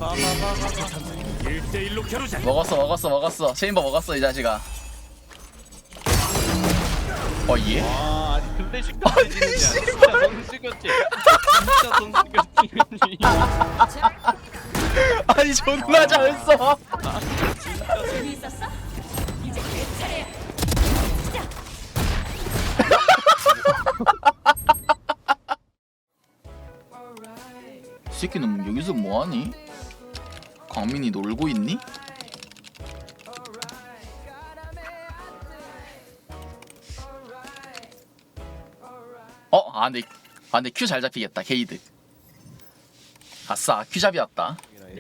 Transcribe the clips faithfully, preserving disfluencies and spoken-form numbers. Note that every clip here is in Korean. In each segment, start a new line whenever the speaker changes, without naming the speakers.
일대일로 겨루자.
먹었어 먹었어 먹었어. 체인버 먹었어 이 자식아. 어 예?
아 아니 근데 시끄러지냐 진짜 너무 시끄럽지 진짜 너무 시끄럽지
아니 존나 잘했어.
재미있었어? 이제 내 차례야.
이 새끼는 여기서 뭐하니? 광민이 놀고 있니? 어? 아 근데 아 근데 큐 잘 잡히겠다 게이드. 아싸 큐 잡이었다.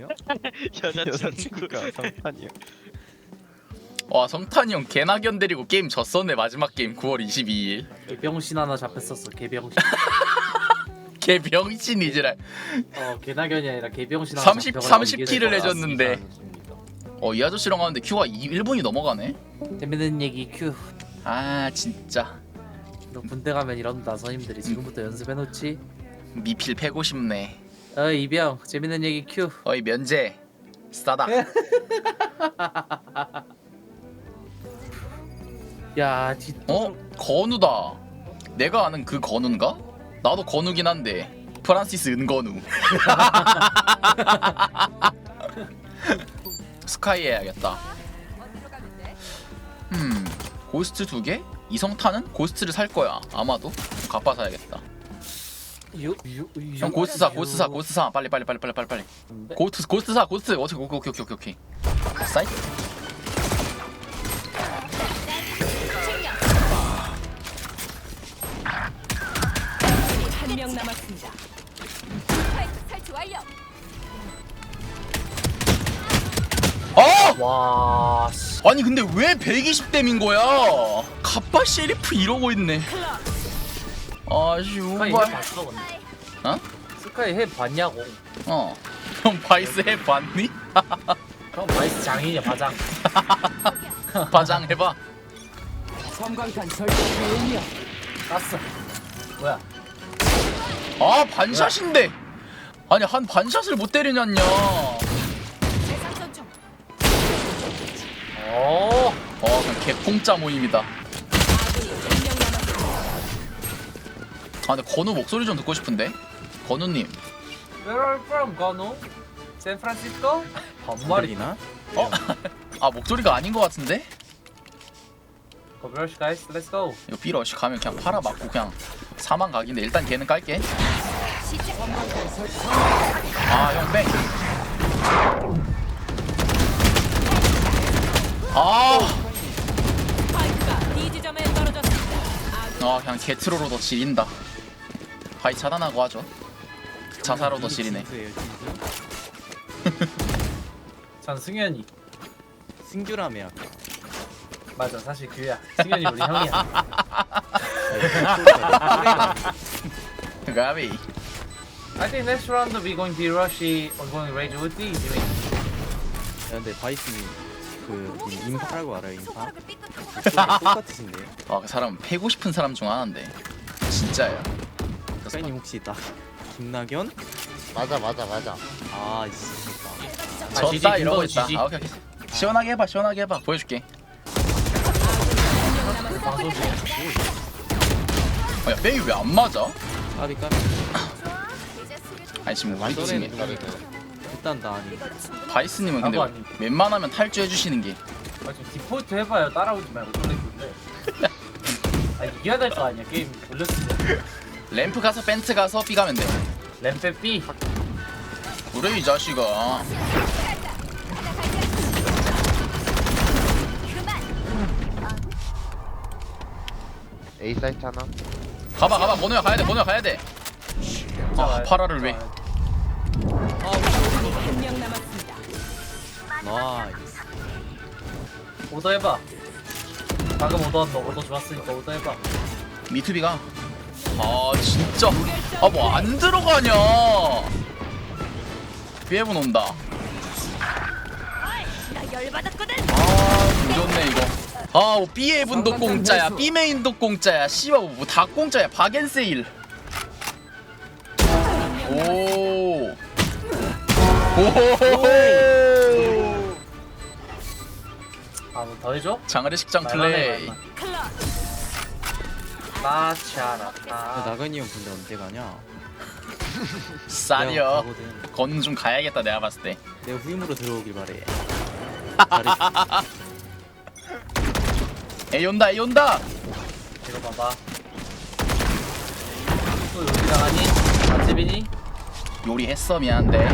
여자친구가 성탄이요
와 성탄이 형 개나견 데리고 게임 졌었네. 마지막 게임 구월 이십이일.
개병신 하나 잡혔었어. 개병신.
개병신이지랄.
어 개나견이 아니라 개병신 하나
삼십
잡혀가지고
삼십
이게
킬을
됐어.
해줬는데 어 이 아저씨랑 하는데 큐가 일 분이 넘어가네.
재밌는 얘기 큐.
아 진짜
너 군대 가면 이런다 선임들이. 지금부터 연습해놓지.
미필 패고 싶네.
어 이병 재밌는 얘기 큐.
어이 면제 싸다.
야 뒤.
어? 건우다. 내가 아는 그 건우인가? 나도 건우긴 한데 프란시스 은건우. 스카이 해야겠다. 음 고스트 두 개? 이성타는 고스트를 살 거야 아마도. 갚아 사야겠다.
유, 유, 유,
형 고스트 사 고스트 사 고스트 사 빨리 빨리 빨리 빨리 빨리 빨리. 고스트 고스트 사 고스트. 어떻게 오케이 오케이 오케이 오케이. 사이트.
한 명 남았습니다. 스파이크 설치 완료.
어?
와 씨.
아니 근데 왜 백이십 댐인 거야? 갑바 셰리프 이러고 있네.
스카이 해
아슈발.
봤어 근데.
어?
스카이 해 봤냐고.
어. 형 바이스 해봤니?
형 바이스 장인이야 바장.
바장 해봐.
섬광탄 설치 완료.
땄어. 뭐야?
아 반샷인데. 아니 한 반샷을 못 때리냐냐.
재상전 중.
어.
어 그냥 개공짜 모임이다.
아군이 한 명 남았습니다.
아 근데 건우 목소리 좀 듣고 싶은데. 건우님.
Where are you from, 건우? 샌프란시스코? 반말이나?
어? 아 목소리가 아닌 것 같은데?
Converse guys, let's go.
이거 B러시 가면 그냥 팔아 맞고 그냥 사망 각인데 일단 걔는 깔게.
시작.
아형 뺑. 아.
스파이크가 B 지점에 떨어졌습니다. 아군
아 그냥 게트로로도 지린다. 바이 차단하고 하죠. 자사로도 지리네.
전 승현이.
승규라며
맞아, 사실 그야. 승현이 우리 형이야.
가비.
I think next round we going to be rushy or going rage with these. You mean?
근데 바이스님 그 인파라고 알아요 인파?
손가락을 삐끗.
똑같으신데요?
아그 사람 패고 싶은 사람 중 하나인데 진짜야.
스카이님 혹시 딱 김나견?
맞아 맞아 맞아.
아 있으니까
아, 지지,
졌다 이러고
김건우
있다.
지지.
아 오케이 오케이. 시원하게 해봐 시원하게 해봐 보여줄게.
방송 중에.
아야 빼이 왜 안 맞아?
까비 까비
좋아. 이제 수비
아니 지금 우리
완전히
팀에
다르네.
일단 나 아니
이걸로 충분히.
바이스님은 근데
나도 아니.
웬만하면 탈주해 주시는 게.
아, 지금 디폴트 해봐요. 따라오지 말고 놀래키는데. 아, 이겨야 될 거 아니야. 게임 올렸으면.
램프 가서 벤트 가서 B 가면 돼.
램페 B.
그래 이 자식아.
A 사이트 하나.
가봐 가봐 번호야 가야 돼 번호야 가야 돼. 아 파라를 왜?
한 명 남았습니다.
나이스
오더 해봐. 방금 오더 한 거 오더 좋았으니까 오더 해봐.
미투비가. 아 진짜. 아 뭐 안 들어가냐. 비에분 온다.
나 열받았거든.
아 조졌네 이거. 아 뭐 B에분도 공짜야 B메인도 공짜야 씨발 뭐 다 공짜야 박앤세일. 오 오호호호.
아뭐 더 해줘?
장어리 식장
말만 해,
플레이.
말만.
클러치.
나치
야,
않았다.
나근이 형 근데 언제 가냐? 내가
쌀이요.
가거든.
건우 좀 가야겠다 내가 봤을 때.
내가 후임으로 들어오길 바래.
에이 온다 에이 온다.
이거 봐봐. 또 여기 나가니? 맛집이니?
요리했어 미안한데.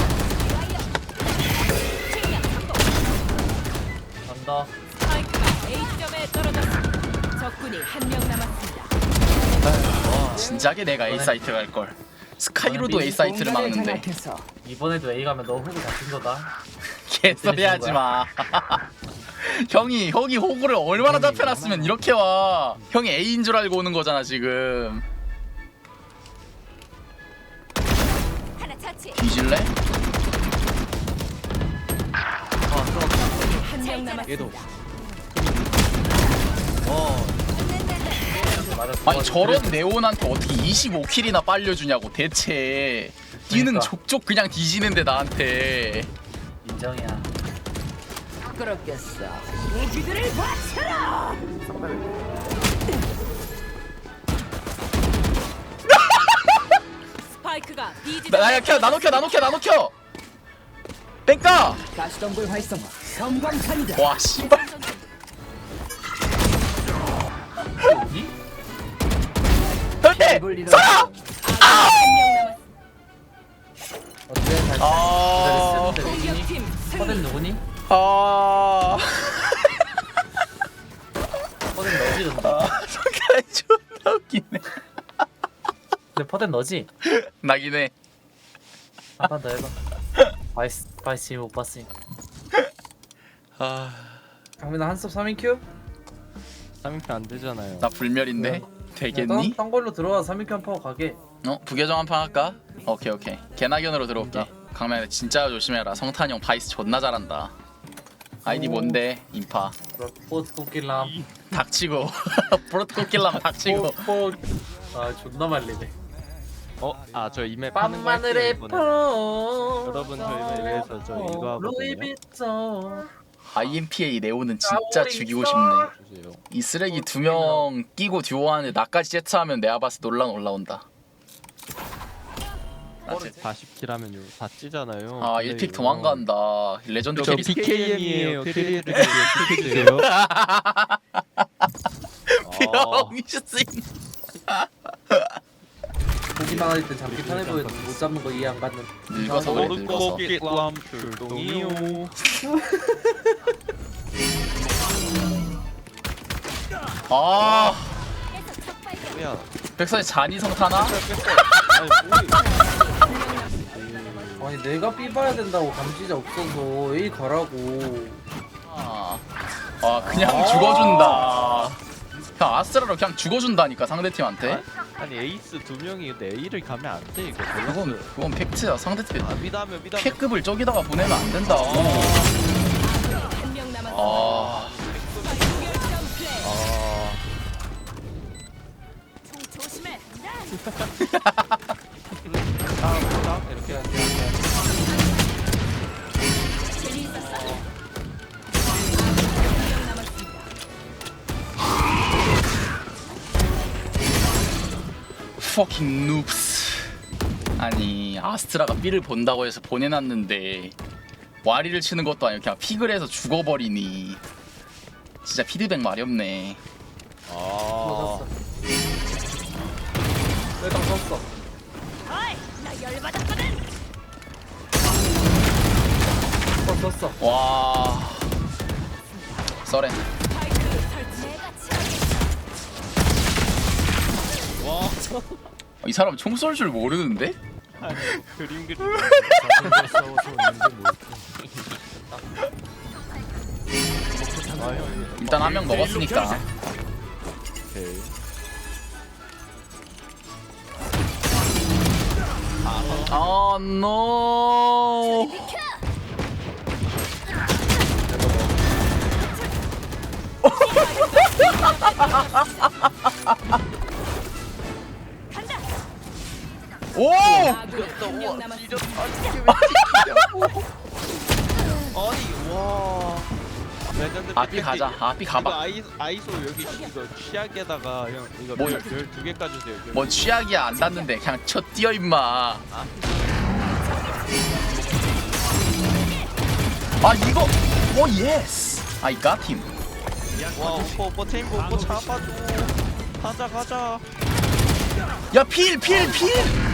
언더.
스파이크가 A점에 떨어졌습니다. 적군이 한 명 남았습니다.
진작에 내가 A 사이트 갈 걸. 스카이로도 A 사이트를 막는데.
이번에도 A 가면 너 호구 잡힌 거다.
개소리 하지 마. 형이 형이 호구를 얼마나 잡혀놨으면 이렇게 와. 형이 A인 줄 알고 오는 거잖아 지금.
하나 차치.
뒤질래?
한 명 남았습니다.
얘도. 어.
맞아.
아니 저런 네온한테 어떻게 이십오 킬이나 빨려주냐고 대체. 뛰는
그러니까.
족족 그냥 뒤지는데 나한테.
인정이야.
그렇겠어. 무기들을 바쳐라. 스파이크가 B 지점에
나야 켜 나노 켜 나노 켜 나노 켜. 뺑까.
가시덤불 활성화 성광탄이다.
와 씨발.
여기?
형님
돌리러
살아.
한명 남았습니다.
어때? 잘
아.
기다렸어. 누구니?
공격팀
퍼덴
승리.
누구니?
아.
퍼덴 너지 근데.
성깔 존나 웃기네.
근데 퍼덴 너지?
나긴 해.
한 판 더 해봐. 바이스 바이스 지금 못 봤으니까.
아.
강민아 한섭 삼 인 큐?
삼 인표 안 되잖아요.
나 불멸인데 되겠니?
딴, 딴 걸로 들어와 삼 인 큐 한 판 가게.
어 부계정 한 판 할까? 오케이 오케이. 개나견으로 들어올게. 강민아 진짜 조심해라. 성탄이 형 바이스 존나 잘한다. 아이디
오.
뭔데? 인파.
포트 코끼람.
닥치고. 프로토콜 킬라면 닥치고.
포. 아 존나 말리네.
어? 아 저 이맵 하는 거 할게요,
밤마늘의
이번에.
포.
여러분, 저희 맵에서 저 이거 하거든요.
루이비통.
아이엠피에이 네오는 진짜
까오리
죽이고
있어.
싶네.
주세요.
이 쓰레기 두 명 끼고 듀오하는데 나까지 제트하면 내가 봤을 때 논란 올라온다. 나 제-
사십 킬 하면 요 다 찌잖아요.
아 일 픽 도망간다. 레전드
저
캐리.
비케이엠이에요. 캐리해 주세요.
병신.
보기만 할 때 잡기 편해 보이는데 못 잡는 거 이해 안 받는.
늙어서 그래 늙어서.
람 출동이요.
아
계속 적 발견.
뭐야?
백선이 잔이 성타나?
아니 내가 B 봐야 된다고 감시자 없어서 A 가라고.
아, 아 그냥 죽어준다. 그냥 아스트라로 그냥 죽어준다니까 상대팀한테.
아니 에이스 두 명이 근데 A를 가면 안 돼 이거.
그건 그건 팩트야. 상대팀
아 미담이요 미담.
P급을 저기다가 보내면 안 된다고.
한 명 남았습니다.
아,
결점 플레이.
아.
총 조심해.
딱 이렇게 할게.
재미있었어? 한명 남았습니다.
fucking noobs. 아니 아스트라가 B를 본다고 해서 보내놨는데 와리를 치는 것도 아니고 그냥 픽을 해서 죽어버리니 진짜 피드백 말이 없네.
아.
샀어. 내가 썼어.
어이, 나 열받았거든.
썼어 썼어.
와 썰렌.
스파이크 설치. 내가 치워.
와.
이 사람 총 쏠 줄 모르는데?
아니 그림 그림.
일단 한 명 먹었으니까.
오케이.
아 노.
간다.
오!
아군이 한 명 남았습니다.
아 B 가자. 아 B
이거
가봐.
아이, 아이소 여기 이거 취약에다가 형 이거
뭐-
별두 개 까주세요. 여기.
뭔 취약이야 안 닿는데 그냥 쳐 뛰어 임마. 아 이거 오 예스. I got him.
와 오빠 오빠 체인보 오빠 잡아줘. 가자 가자.
야 필 필 필.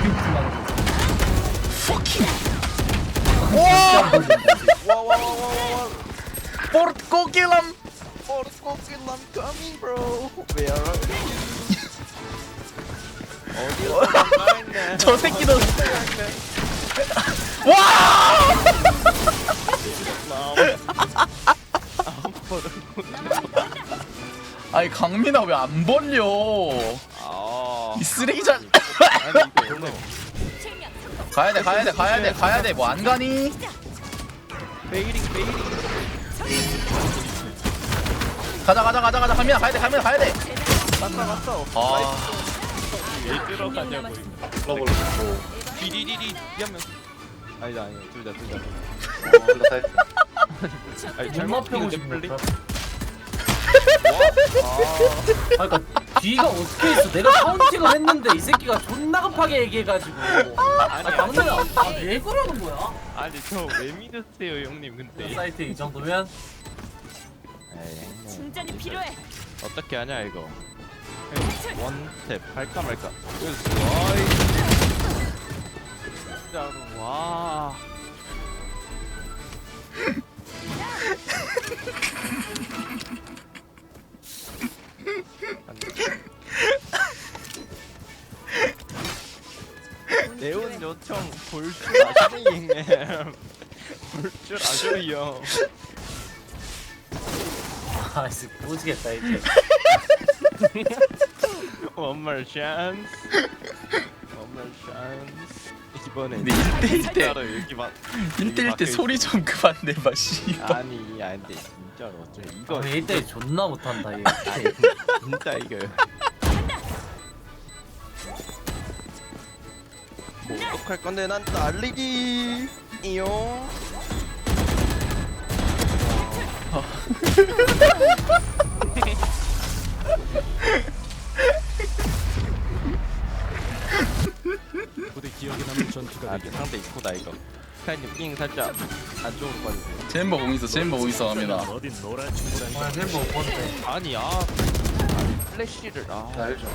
fucking. 와
와와와와와.
포르코 킬람.
Porco kill I'm coming bro. Where are you? 어디로 가있네.
저 새끼도. 와. 아니 강민아 왜 안 벌려?
아.
이 쓰레기장.
아니 이거 원래
가야 돼 가야 돼 가야 돼 가야 돼 뭐 안 가니?
베이링 베이링.
가자 가자 가자 가자 강민아 가야 돼 강민아 가야 돼.
맞다 맞다.
아
왜
한명
들어가냐고.
남았습니다.
러블 디디디디 한명 아니다 아니다 둘다 둘다. 아니
존나 펴고
피는데
싶네.
플리?
아 그니까 뒤가 어떻게 있어? 내가 카운팅을 했는데 이 새끼가 존나 급하게 얘기해가지고. 아 강민아 아왜 그러는 거야?
아니 저 왜 믿으세요 형님 근데.
사이트 이 정도면
에이
충전이 필요해.
어떻게 하냐 이거.
탈출.
원탭 할까 말까. 와이. 진짜로 와. 네온 요청 볼 줄 아시는 형님. 볼 줄 아셔요.
아 진짜 모르겠다 이제.
One more chance. One more chance. 이번에
근데 일 대일 때
진짜로 여기 막
일 대일 때 소리 좀 그만 내봐 씨발.
아니 아니 근데 진짜로 어째 이거
아 일 대 존나 못한다 얘.
아니, 진짜 이거 뭐 어떡할 건데 난 날리기 이요.
부대 기억에 남는 전투가
아 상대 이코다 이거. 카이님 삥 살짝 안쪽으로 빠지세요.
젠버 공 있어 젠버 공 있어 갑니다.
어딘 놀아주고
오늘 멤버 못 본데.
아니 아 아니 플래시를 아
알죠.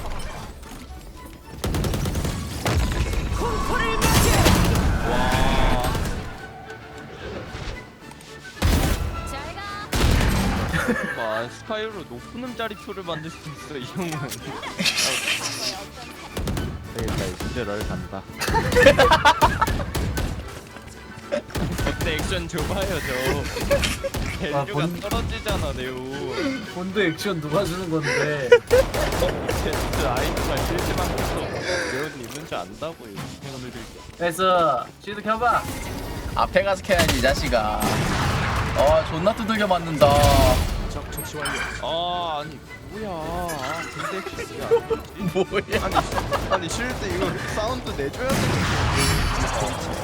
공포를 맞이해.
와.
잘 가.
와 스카이로 높은 음자리표를 만들 수 있어 이 형은. 되겠다 이 진짜 널 간다. 그때 액션 줘봐요 저. 밸류가
본-
떨어지잖아 네오.
본드 액션 누가 주는 건데?
진짜 아이디가 실시만 해서 네오는 있는 줄 안다고요.
그래서 쉴드 켜봐.
앞에 가서 캐야지 이 자식아. 아 존나 두들겨 맞는다.
적 처치 완료.
아 아니 뭐야. 아 근데 액션이야.
뭐야?
아니 아니 실드 이거 사운드 내줘야 돼.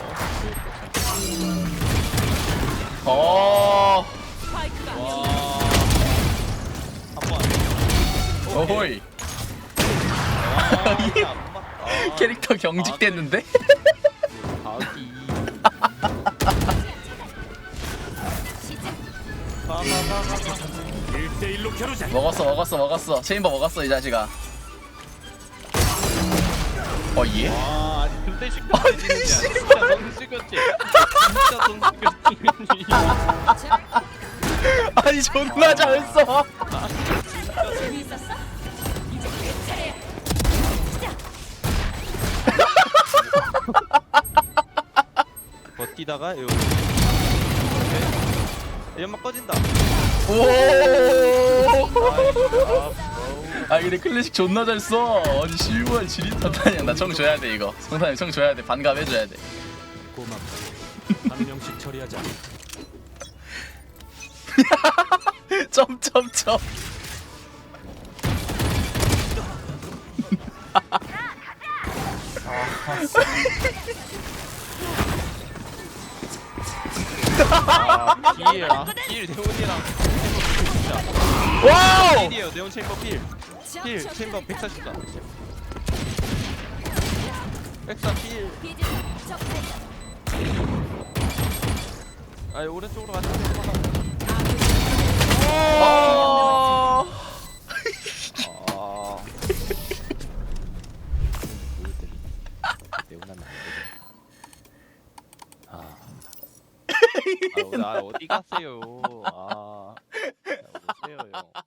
어.
스파이크가
와. 한번
어호이.
아, 이게 안 맞다.
캐릭터 경직됐는데?
아기. 가가가가.
일 대 일로 겨루자.
먹었어 먹었어 먹었어. 체인버 먹었어 이 자식아. 어 예?
와, 아니 근데 시끄러지는 진짜 너무 시끄럽지. 진짜 너무 시끄럽지.
아니 존나 잘했어.
재미있었어? 이제 내 차례야.
버티다가 요. 연막 꺼진다.
오.
아,
아 근데 클래식 존나 잘 써. 아니 씨발 지릿하다냐. 나 청 줘야 돼 이거. 성탄이 청 줘야 돼. 반갑 해줘야 돼.
고맙다. 한 명씩 처리하자.
점점점.
아, 기회랑 길 대훈이랑
와우!
필이에요. 네온 챔버 필. 필 챔버 백사십사. 백사 필. 아 오른쪽으로 가자.
아.
아.
네오나는 안 되겠다. 아,
아, 나 어디 갔어요? 아, 자, 오세요 형.